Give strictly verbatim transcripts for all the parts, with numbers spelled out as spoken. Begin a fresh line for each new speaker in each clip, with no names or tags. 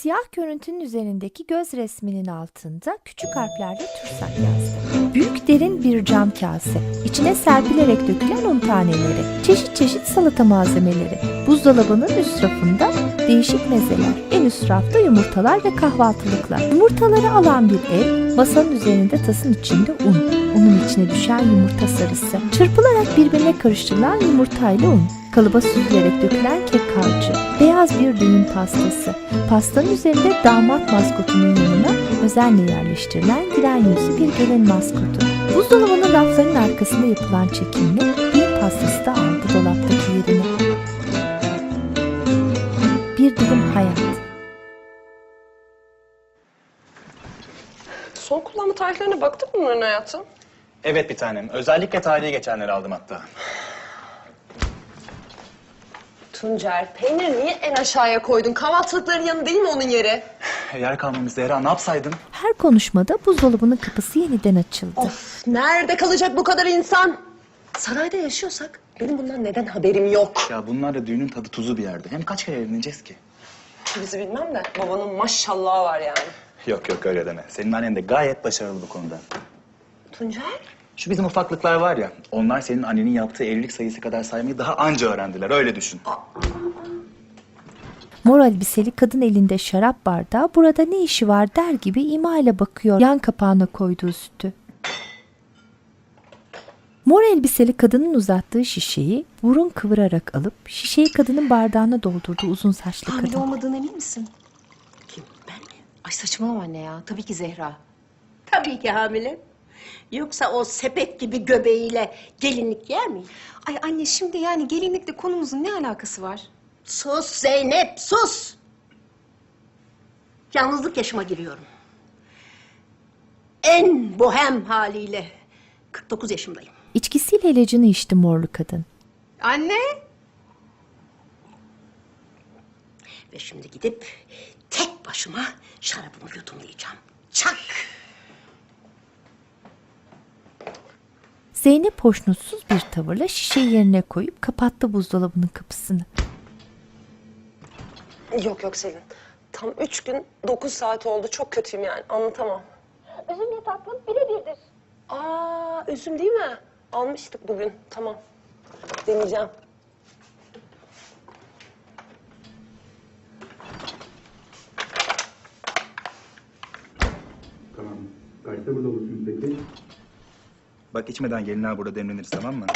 Siyah görüntünün üzerindeki göz resminin altında küçük harflerle TÜRSAK yazdı. Büyük derin bir cam kase, içine serpilerek dökülen un taneleri, çeşit çeşit salata malzemeleri, buzdolabının üst rafında değişik mezeler, en üst rafta yumurtalar ve kahvaltılıklar. Yumurtaları alan bir el, masanın üzerinde tasın içinde un, unun içine düşen yumurta sarısı, çırpılarak birbirine karıştırılan yumurtayla un, kalıba süzülerek dökülen kek harcı, beyaz bir düğün pastası, pastanın üzerinde damat maskotunun yanına özenle yerleştirilen gülen yüzlü bir gelin maskotu. Buzdolabının raflarının arkasında yapılan çekimle düğün pastası da aldı dolaptaki yerini. Bir dilim hayat.
Son kullanma tarihlerine baktık mı bunların hayatım?
Evet bir tanem. Özellikle tarihi geçenleri aldım hatta.
Tuncer, peyniri niye en aşağıya koydun? Kahvaltılıkların yanı değil mi onun yeri?
Yer kalmamış Zehra, ne yapsaydım?
Her konuşmada buzdolabının kapısı yeniden açıldı.
Of, nerede kalacak bu kadar insan? Sarayda yaşıyorsak benim bundan neden haberim yok?
Ya bunlar da düğünün tadı tuzu bir yerde. Hem kaç kere evleneceğiz ki?
Bizi bilmem de babanın maşallahı var yani.
Yok yok öyle deme. Senin annen de gayet başarılı bu konuda.
Tuncer?
Şu bizim ufaklıklar var ya, onlar senin annenin yaptığı evlilik sayısı kadar saymayı daha anca öğrendiler, öyle düşün.
Mor elbiseli kadın elinde şarap bardağı burada ne işi var der gibi ima ile bakıyor yan kapağına koyduğu sütü. Mor elbiseli kadının uzattığı şişeyi burun kıvırarak alıp şişeyi kadının bardağına doldurdu uzun saçlı
Hamile
kadın.
olmadığına emin misin?
Kim? Ben mi?
Ay saçmalama anne ya. Tabii ki Zehra.
Tabii ki hamile. Yoksa o sepet gibi göbeğiyle gelinlik yer mi?
Ay anne şimdi yani gelinlikle konumuzun ne alakası var?
Sus Zeynep, sus! Yalnızlık yaşıma giriyorum. En bohem haliyle kırk dokuz yaşımdayım.
İçkisiyle ilacını içti morlu kadın.
Anne!
Ve şimdi gidip tek başıma şarabımı yudumlayacağım. Çak!
Zeynep hoşnutsuz bir tavırla şişeyi yerine koyup kapattı buzdolabının kapısını.
Yok yok Selin. Tam üç gün dokuz saat oldu. Çok kötüyüm yani. Anlatamam. Üzüm tatlım birebirdir. Aa, üzüm değil mi? Almıştık bugün. Tamam. Deneyeceğim.
Tamam. Kaçta burada olursunuz peki?
Bak içmeden gelinler burada demleniriz, tamam mı?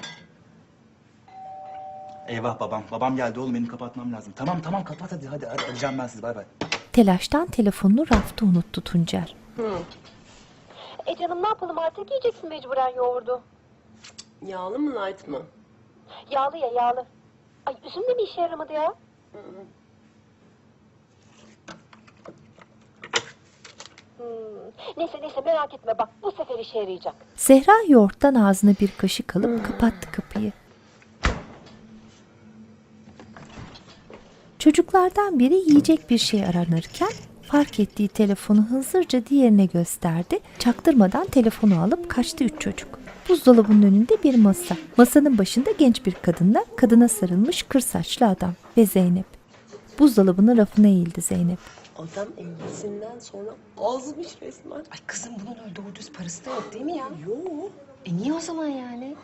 Eyvah babam. Babam geldi oğlum, benim kapatmam lazım. Tamam tamam kapat hadi hadi. hadi. Arayacağım ben sizi, bay bay.
Telaştan telefonunu rafta unuttu Tuncer.
E canım ne yapalım artık yiyeceksin mecburen yoğurdu.
Yağlı mı light mı?
Yağlı ya yağlı. Ay üzüm de mi işe yaramadı ya? Hmm. Neyse neyse merak etme bak bu sefer işe yarayacak.
Zehra yoğurttan ağzına bir kaşık alıp kapattı kapıyı. Çocuklardan biri yiyecek bir şey aranırken fark ettiği telefonu hızlıca diğerine gösterdi. Çaktırmadan telefonu alıp kaçtı üç çocuk. Buzdolabının önünde bir masa. Masanın başında genç bir kadınla kadına sarılmış kır saçlı adam ve Zeynep. Buzdolabının rafına eğildi Zeynep.
Adam evlisinden sonra azmış resmen.
Ay kızım bunun öyle doğru düz parası da yok değil mi ya?
Yok.
E niye o zaman yani?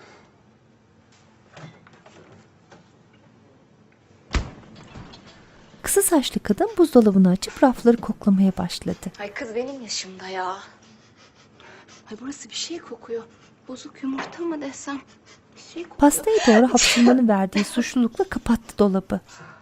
Kısa saçlı kadın buzdolabını açıp rafları koklamaya başladı.
Ay kız benim yaşımda ya. Ay burası bir şey kokuyor. Bozuk yumurta mı desem? Bir şey kokuyor.
Pastaya doğru hapşırmanın verdiği suçlulukla kapattı dolabı.